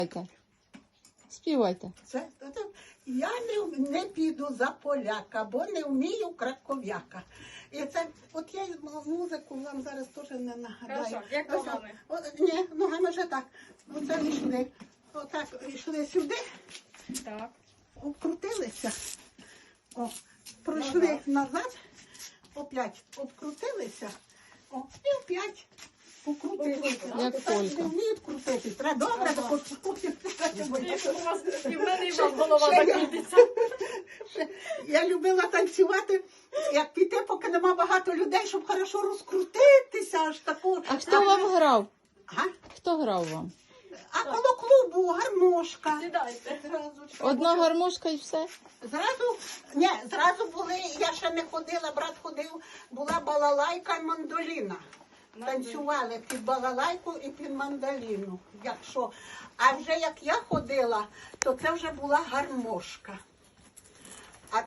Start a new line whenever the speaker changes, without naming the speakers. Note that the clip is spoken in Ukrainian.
Співайте.
Я не піду за поляка, бо не вмію краков'яка. І це, от я музику вам зараз теж не нагадаю.
Хорошо, як ногами?
Ні, ногами вже так. Оце йшли. Отак йшли сюди,
Так.
обкрутилися. О, пройшли назад, опять обкрутилися. О, і опять покрутилися.
Як
Так
полька.
не вміють крутитись. Треба добре тако.
Якщо у вас і в мене і вам голова
Ще я-
закрутиться.
Я любила танцювати, як піти, поки нема багато людей, щоб хорошо розкрутитися, аж таку.
А хто вам грав?
Ага.
Хто грав вам?
А коло клубу гармошка.
Сідайте.
Одна гармошка і все?
Зразу були, я ще не ходила, брат ходив, була балалайка і мандоліна. Танцювали під балалайку і під мандоліну. Якщо. А вже як я ходила, то це вже була гармошка.